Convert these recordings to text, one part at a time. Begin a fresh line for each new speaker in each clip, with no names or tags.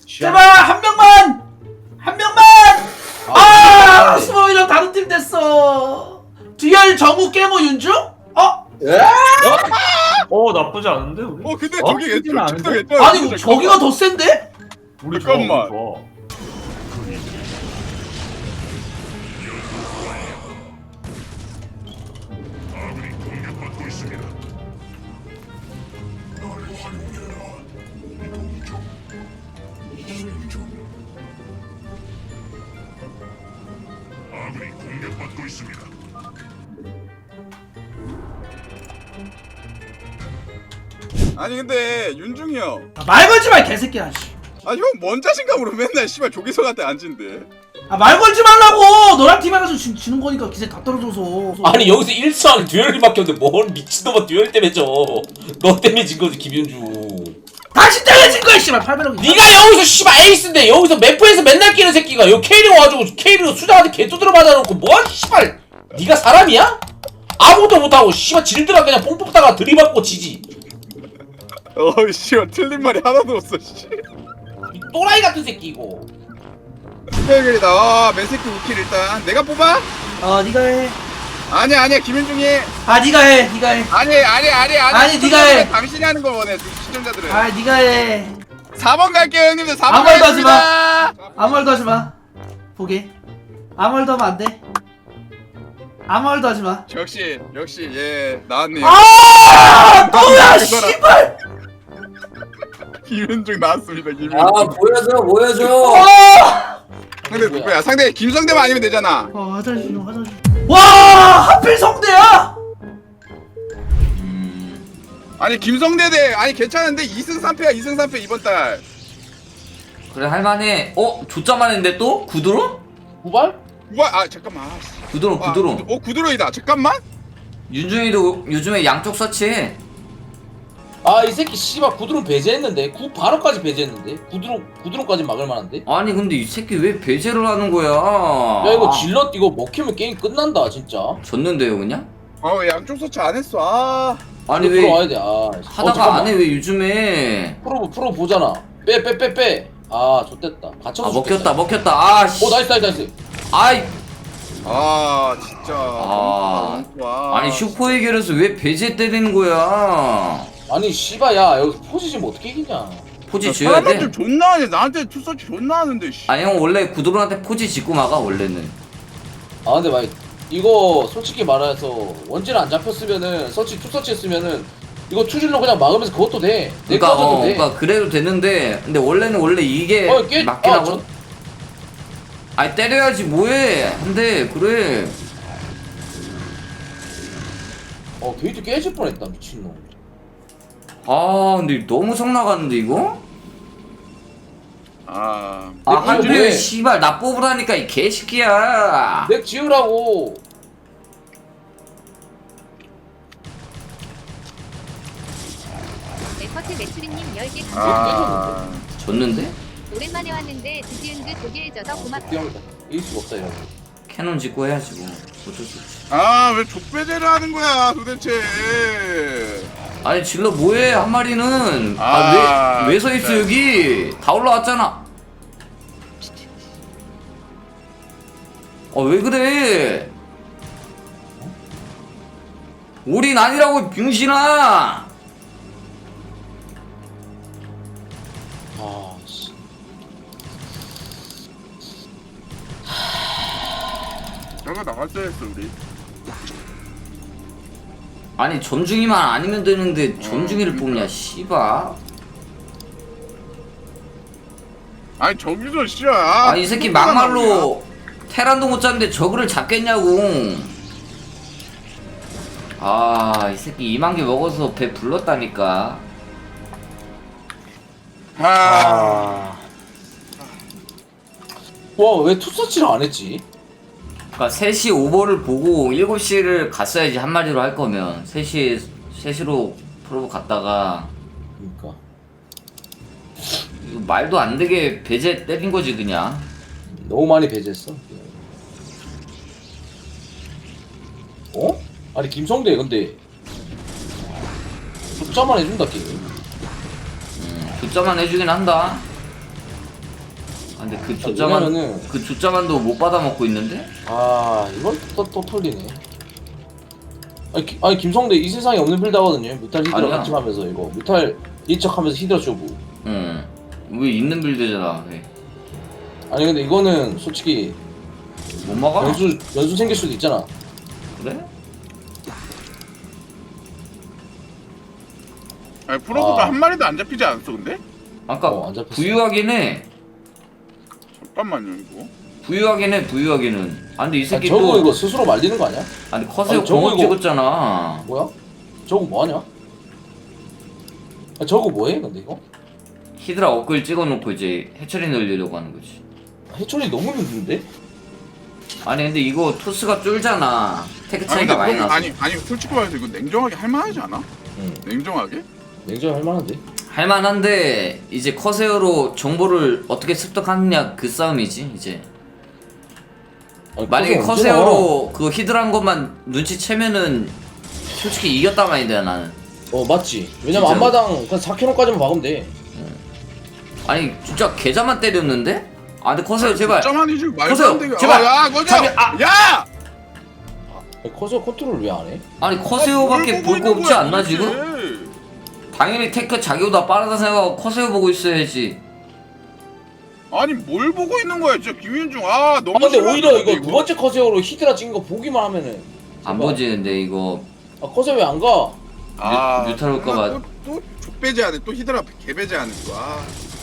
제발 한 명만! 한 명만! 스모이랑 다른 팀 됐어. 듀얼 정우 깨모 윤중?
나쁘지 않은데 우리?
근데
어?
저기
크진 않은데?
괜찮아.
아니 저기가 더 센데?
우리 좋아, 우리
잠깐만.
좋아.
아니 근데 윤중이 형.
말 걸지 마, 이 개새끼야.
형 뭔 자신감으로 맨날 씨발 조기석한테 앉은데.
말 걸지 말라고. 너랑 팀 해가지고 지는 거니까 기세 다 떨어져서.
아니 여기서 1차 안에 듀얼밖에 없는데 뭔 미친놈아 듀얼 때문에 져. 너 때문에 진 거지 김윤주.
다시 때려진 거야, 씨발. 800원.
네가 여기서 씨발 에이스인데 여기서 매프에서 맨날 끼는 새끼가 여기 K리그 와가지고 K리그 수장한테 개두드려 맞아놓고 뭐 씨발 네가 사람이야? 아무것도 못하고 씨발 질드라 그냥 뽕 뽑다가 들이받고 지지.
씨발 틀린 말이 하나도 없어. 씨.
이 또라이 같은 새끼 이거.
스페이글이다. 맨새끼 우킬 일단 내가 뽑아?
네가 해.
아니야 김윤중이.
네가 해. 네가 해.
아니
아니, 네가 해.
당신이 하는 걸 원해 시청자들은.
네가 해.
4번 갈게요 형님들. 4번
아무 말도 하지
가겠습니다.
아무 말도 하지 마. 보게. 아무 말도 하면 안 돼. 아무 말도 하지 마.
역시 예 나왔네요.
뭐야, 씨발.
김윤중 나왔습니다. 김윤중.
보여줘.
상대 누구야? 상대 김성대만 아니면 되잖아.
화장실 좀 화장실. 와, 하필 성대야?
아니 김성대 대 아니 괜찮은데 2승 3패야 2승 3패 이번 달.
그래 할만해. 조짜만 했는데 또? 구드론?
구발?
우와 잠깐만.
구드론 구드론.
구드론이다. 잠깐만.
윤중이도 요즘에 양쪽 서치해.
이 새끼 씨발 구드론 배제했는데 구 바로까지 배제했는데 구드론까지 막을 만한데?
아니 근데 이 새끼 왜 배제를 하는 거야?
야 이거 질럿 이거 먹히면 게임 끝난다 진짜.
졌는데요 그냥?
양쪽 서치 안 했어.
아니
프로
왜
와야 돼.
하다가
잠깐만.
안 해 왜 요즘에?
프로 보잖아. 빼. 좆됐다. 갇혀서
먹혔다. 아씨.
나이스.
아이.
진짜.
아니 슈퍼 해결해서 왜 배제 때리는 거야?
아니 씨발 야 여기서 포지션 뭐 어떻게 이기냐.
포지 지어야 돼?
사람들 존나 하네. 나한테 투서치 존나 하는데. 씨.
아니 형 원래 구드론한테 포지 짓고 막아 원래는.
근데 막 이거 솔직히 말해서 원질 안 잡혔으면은 투서치 했으면은 이거 투질로 그냥 막으면서 그것도 돼. 내꺼져도 돼.
그러니까 그래도 되는데 근데 원래 이게 맞긴 하거든. 아니 때려야지 뭐해. 근데 그래.
게이트 깨질 뻔했다 미친놈.
근데 너무 성 나갔는데 이거?
뭐해?
한준이 씨발 나 뽑으라니까 이 개새끼야.
넥 지으라고.
에퍼트 매출이님 10개 감사합니다.
졌는데?
오랜만에 왔는데 드디은 그 독일져서 고맙다.
뛰어온다. 이길 수가 없다 이러면.
캐논 짓고 해야지 뭐. 어쩔 수 없지.
왜 족배제를 하는 거야 도대체.
아니 질러 뭐해 한 마리는. 왜 서 있어
진짜.
여기? 다 올라왔잖아. 왜 그래? 우린 아니라고 병신아.
씨.
저거 나갈 때 했어 우리.
아니 점중이만 아니면 되는데 점중이를 뽑냐 씨발.
아니 저기서 씨야.
이 새끼 막말로 테란도 못 잡는데 저거를 잡겠냐고. 이 새끼 2만 개 먹어서 배 불렀다니까.
왜 투서치를 안 했지?
그니까 3시 오버를 보고 7시를 갔어야지 한 마리로 할 거면 3시로 프로브 갔다가.
그러니까.
이거 말도 안 되게 배제 때린 거지 그냥.
너무 많이 배제했어. 아니 김성대 근데 숫자만 해준다 게임.
숫자만 해주긴 한다. 근데 그 조짜만
왜냐면은
그 조짜만도 못 받아 먹고 있는데?
아 이건 또 털리네. 아니 김성대 이 세상에 없는 빌드하거든요. 뮤탈 히드라
아니야.
같이 하면서 이거 뮤탈 리척하면서 히드라 쇼부.
왜 있는 빌드잖아. 왜?
아니 근데 이거는 솔직히
못 막아?
연수 생길 수도 있잖아.
그래?
아니 프로브가
아.
한 마리도 안 잡히지 않았어 근데?
아까
안 잡혔어.
부유하긴 해.
잠깐만요 이거.
부유하긴 해. 부유하기는. 아 근데 이
아니,
새끼
저거
또
이거 스스로 말리는 거 아니야?
아니 커세어
아니, 저거
공업
이거-
찍었잖아.
뭐야? 저거 뭐하냐? 아, 저거 뭐해 근데 이거?
히드라 업글 찍어놓고 이제 해처리 늘리려고 하는 거지.
해초리 너무 힘든데?
아니 근데 이거 토스가 쫄잖아. 테크 차이가 많이 나서.
아니 솔직히 말해서 이거 냉정하게 할만하지 않아?
응.
냉정하게?
냉정할 만한데?
할만한데 이제 커세어로 정보를 어떻게 습득하느냐 그 싸움이지 이제.
아니,
만약에
커서 언제 나와?
커세어로 그 히드라한 것만 눈치채면은 솔직히 이겼단 말인데 나는.
맞지. 왜냐면
진짜로?
앞마당 그냥 4kg까지만 박으면 돼.
아니 진짜 계좌만 때렸는데? 아 근데 커세어 제발.
점 아니지 말도
보세요,
안 되게.
제발.
야 거저.
잠이- 아!
야.
아니, 커서 컨트롤 왜 안 해?
아니 커세어밖에
뭘
볼
보고
거
있는
없지
거야,
않나
도대체?
지금? 당연히 테크 자기보다 빠르다 생각하고 커세어 보고 있어야지.
아니 뭘 보고 있는 거야 진짜 김윤중. 아 너무.
아 근데
심하다,
오히려 이거 두 번째 커세어로 히드라 찍은 거 보기만 하면은
안
제발.
보지 근데 이거
아 커세어 왜 안 가?
뮤탈 올까봐.
또 족배제 안에 또 히드라 개배제 안에 또. 아.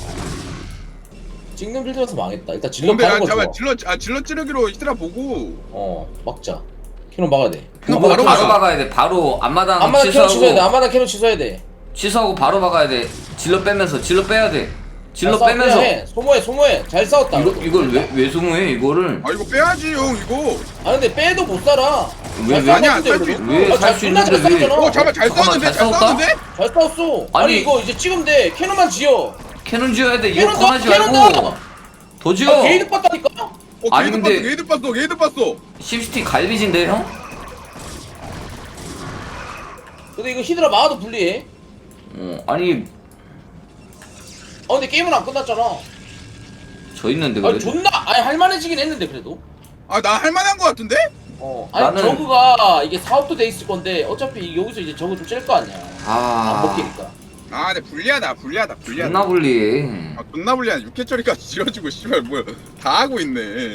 찍는 빌드라서 망했다. 일단 질러
근데
가는 거 좋아.
잠깐 질러 찌르기로 히드라 보고.
막자. 캐논 막아야 돼.
캐논
앞마당
바로
바로
취소.
가자.
박아야 돼. 바로 앞마당
앞마당 캐논 취소해야 돼.
취소하고
앞마당 캐논 취소해야 돼.
취소하고 바로 박아야 돼. 질러 빼면서 질러 빼야 돼. 질러
잘 싸워,
빼면서
그냥 해. 소모해. 잘 싸웠다.
이걸 왜 소모해 이거를?
아 이거 빼야지 형 이거.
아 근데 빼도 못 살아.
왜,
잘
왜?
아니야,
싸웠는데,
쌀수
그래도.
있어.
왜
아,
살 수
존나 잘
있는데 왜?
싸웠잖아.
잠깐 잘
잠깐만,
싸웠는데
잘
잘
싸웠다?
싸웠는데.
잘 싸웠어.
아니,
아니 이거 이제 찍으면 돼. 캐논만 지어.
캐논 지어야 돼. 이거
캐논
커하지
넣어, 캐논
말고
넣어.
더 지어.
게이드 봤다니까?
아니,
게이드
근데-
봤어 게이드 봤어.
심시티 갈비진데 형?
근데 이거 히드라 막아도 불리해.
아니
아 근데 게임은 안 끝났잖아.
저 있는데
아니
그래도.
존나 할만해지긴 했는데 그래도.
아 나 할만한 거 같은데?
아니
나는-
저그가 이게 사업도 돼 있을 건데 어차피 여기서 이제 저거 좀 찔 거 아니야. 안 먹히니까.
아 근데 불리하다.
존나 불리해.
아 존나 불리하네. 6회 처리까지 지어주고 씨발 뭐야 다 하고 있네.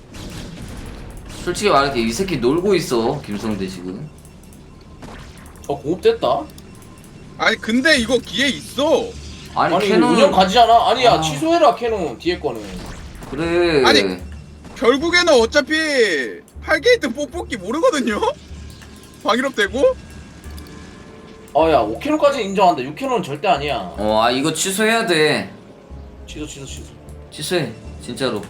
솔직히 말할게 이 새끼 놀고 있어 김성대 지금.
저 공업됐다.
아니 근데 이거 기회 있어.
아니,
아니
캐논
운영 가지잖아. 아니야
아.
취소해라 캐논 뒤에 거는.
그래.
아니. 결국에는 어차피 8게이트 뽑기 모르거든요. 방위롭 되고.
아야 5캐논까지 인정한다. 6캐논은 절대 아니야.
아 이거 취소해야 돼.
취소.
취소해 진짜로.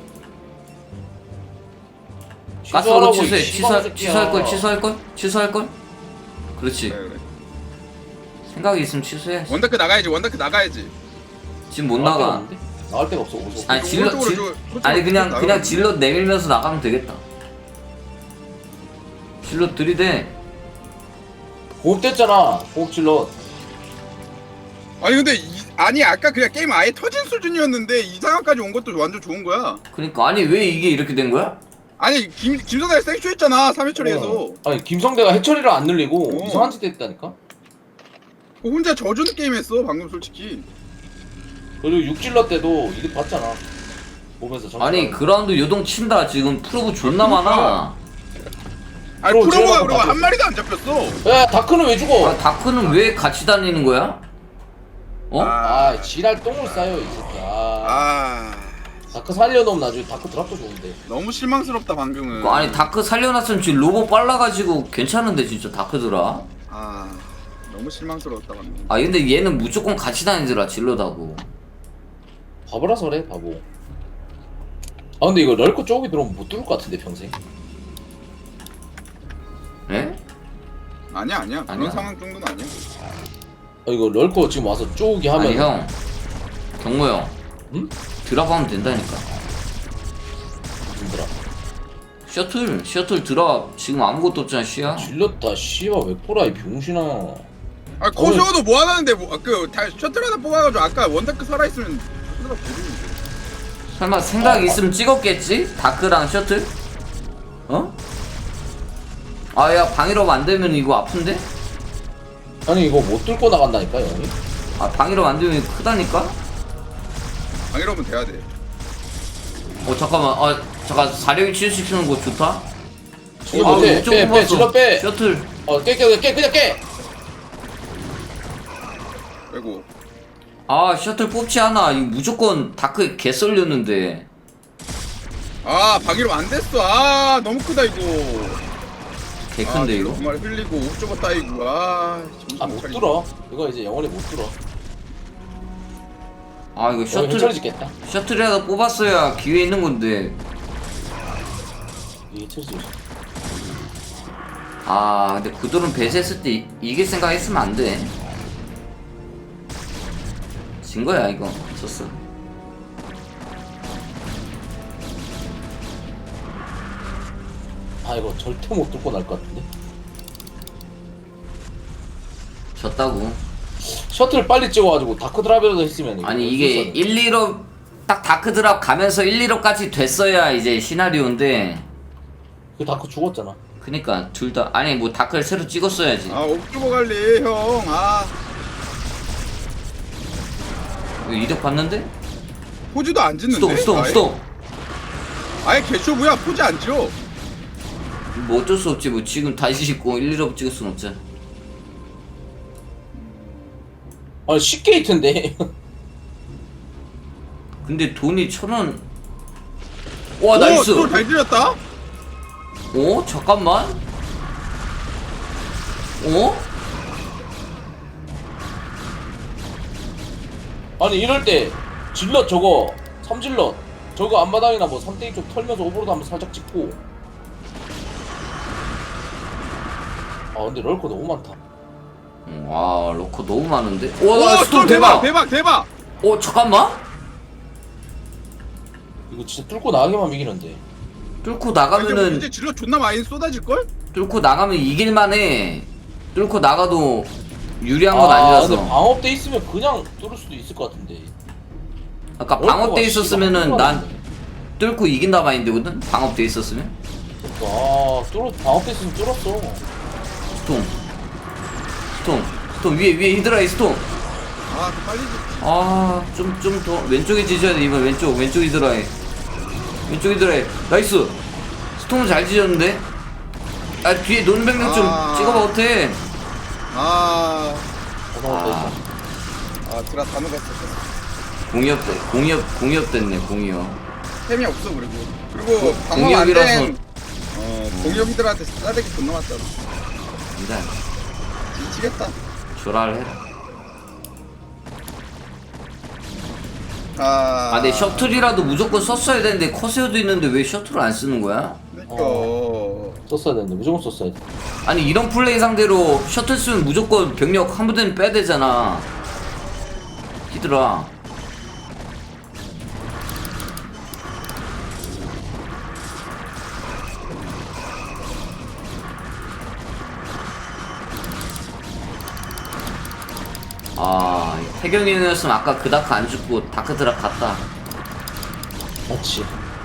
취소하라고,
가스로 취소해.
이 씨발 새끼야.
취소할 걸. 그렇지.
그래.
생각이 있으면 취소해.
원다크 나가야지.
지금 못 나가.
데가 없는데? 나갈 데가 없어. 오소.
아니 질러
오른쪽으로
아니 그냥
나가면
질러 내밀면서 나가면 되겠다. 질러 들이대.
공업됐잖아. 공업 질러.
아니 근데 아니 아까 그냥 게임 아예 터진 수준이었는데 이 상황까지 온 것도 완전 좋은 거야.
그러니까 아니 왜 이게 이렇게 된 거야?
아니 김선달 생쇼했잖아 3회 처리에서.
아니 김성대가 해처리를 안 늘리고
어.
이상한 짓 했다니까.
혼자 져주는 게임 했어 방금 솔직히.
그리고 6질러 때도 이득 봤잖아. 보면서 점수
아니
받는
그라운드 요동 친다 지금 프로브 존나 많아.
아니
프로
프로브가
제어하고
그리고
다
한 마리도 안 잡혔어.
거. 야 다크는 왜 죽어?
아 다크는 왜 같이 다니는 거야? 어?
아 지랄 똥을 싸요 이 새끼야.
아
다크 살려놓으면 나중에 다크 드랍도 좋은데.
너무 실망스럽다 방금은.
아니 다크 살려놨으면 지금 로봇 빨라가지고 괜찮은데 진짜 다크더라.
아 너무 실망스러웠다 방금.
아 근데 얘는 무조건 같이 다니더라 질러다고.
바보라서 그래 바보. 아 근데 이거 럴코 쪽이 들어오면 못 뚫을 것 같은데 평생.
에?
아니야 그런
아니야.
상황 정도는 아니야.
아 이거 럴코 지금 와서 쪼기 하면.
아니 형 경모 형
응?
드랍하면 된다니까.
힘들어.
셔틀 드랍 지금 아무것도 없잖아 씨야.
질렀다 씨발 왜 꼬라 이 병신아.
아 코쇼도 뭐 하나는데 뭐, 그 셔틀 하나 뽑아가지고 아까 원다크 살아있으면 셔틀 보는데.
설마 생각 있으면 찍었겠지? 다크랑 셔틀? 어? 아 야 방위럽 안 되면 이거 아픈데?
아니 이거 못 뚫고 나간다니까 형이.
아 방위럽 안 되면 크다니까?
방이러면 돼야 돼.
잠깐만 잠깐 사령이 치유시키는 거 좋다?
이거 못해. 빼 질러 빼.
셔틀
깨 그냥 깨.
아이고.
아 셔틀 뽑지 않아 이거 무조건 다크 개 썰렸는데
아 방이러면 안 됐어. 아 너무 크다 이거.
개 큰데 이거?
정말 흘리고 옥저버 따이고. 아 정신
못
차리고.
뚫어. 이거 이제 영원히 못 뚫어.
아 이거
셔틀
셔틀
짓겠다.
셔틀이라도 뽑았어야 기회 있는 건데
이게 철지.
아 근데 구도는 배제했을 때 이길 생각했으면 안돼 진 거야 이거 졌어
아 이거 절대 못 뚫고 날 것 같은데.
졌다고
셔틀 빨리 찍어가지고 다크 드랍이라도 했으면 이거
아니 이게
쓸
1, 2업 딱 다크드랍 가면서 1, 2업까지 됐어야 이제 시나리오인데
그 다크 죽었잖아.
그니까 둘 다 아니 뭐 다크를 새로 찍었어야지
아 옥저버 갈래 형. 아
이거 이득 봤는데?
포즈도 안 짓는데.
스톱
아예 개쇼부야 포즈 안 지어.
뭐 어쩔 수 없지 뭐 지금 다시 짓고 1, 2업 찍을 순 없잖아
아니 10게이트인데.
근데 돈이 1,000원 와 나이스
또잘 들렸다.
잠깐만
아니 이럴 때 질럿 저거 3질럿 저거 앞마당이나 뭐 3대2 쪽 털면서 오버로드 한번 살짝 찍고. 아 근데 럴커 너무 많다.
와 로커 너무 많은데?
오
와 스톱 대박!
대박.
잠깐만
이거 진짜 뚫고 나가기만 이기는데.
뚫고
이제
나가면은
질러 존나 많이 쏟아질 걸?
뚫고 나가면 이길만해 뚫고 나가도 유리한 건
근데
아니라서
방업돼 있으면 그냥 뚫을 수도 있을 것 같은데.
아까
럴커가
방업돼 있었으면은
씨발
난
많은데.
뚫고 이긴다 마인드거든? 방업돼 있었으면
그러니까 방업돼 있으면 뚫었어.
스톰 위에 히드라이 스톰
아 빨리 짓지.
좀 더 왼쪽에 지져야 돼 이번 왼쪽 히드라이 나이스 스톰은 잘 지졌는데 뒤에 논백력 좀 찍어봐 어때
아
방업돼
드라 다 녹았어.
공이업 됐네 공이업
템이 없어 그리고 방어
공이업이라서
안된 공이업이들한테 싸대기 존나 맞잖아.
일단
미치겠다.
조라를 해라 내 셔틀이라도 무조건 썼어야 되는데 커세어도 있는데 왜 셔틀을 안 쓰는 거야?
그러니까
썼어야 되는데 무조건 썼어야 돼.
아니 이런 플레이 상대로 셔틀 쓰면 무조건 병력 한 부대는 빼야 되잖아 히드라 태경이었으면 아까 그 다크 안 죽고 다크 드랍 갔다
맞지.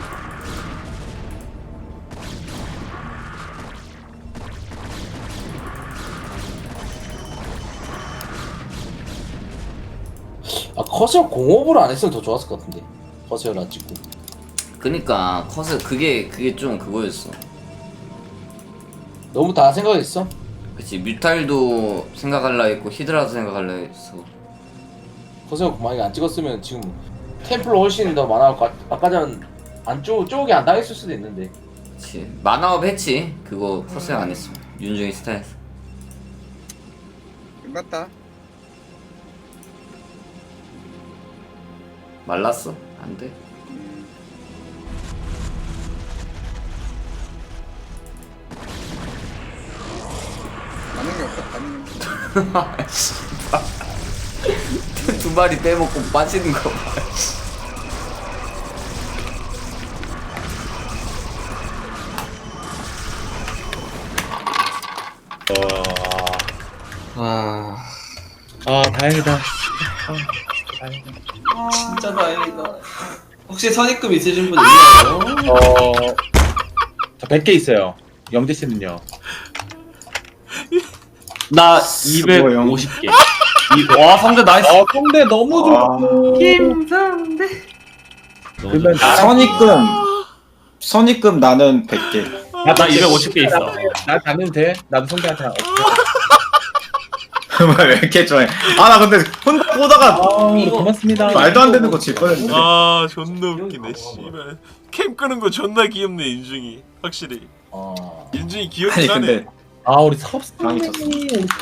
커세어 공업을 안 했으면 더 좋았을 것 같은데. 커세어를 안 찍고.
그니까 커서 그게 좀 그거였어
너무 다 생각했어?
그치 뮤탈도 생각할라 했고 히드라도 생각할라 했어
커세어 만약에 안 찍었으면 지금 템플러 훨씬 더 많아갖고 아까 전 쪽이 안 당했을 수도 있는데.
그치 만화업 했지 그거 커스형 안 했어 윤중이 스타일에서
끝났다.
말랐어? 안돼
남는 게 없다. 남는 게.
두 마리 빼먹고 빠지는 거 봐.
다행이다.
진짜 다행이다 혹시 선입금 있으신 분 있나요?
저 100개 있어요. 영재 씨는요?
나 250개.
와 상대 나이스.
성대 너무 좋고.
김성대.
그러면
선입금 나는 100개.
나 250개 있어.
나 가면 돼. 나도 성대한테.
왜 이렇게 좋아해? 아 나 근데 혼자 보다가
고맙습니다.
말도 안 되는 거 질 뻔했는데.
아 존나 웃기네 씨발. 캠 끄는 거 존나 귀엽네 인중이. 확실히 인중이
아니
귀엽긴 하네.
근데
아 우리 섭
방이 쳤어.
선생님.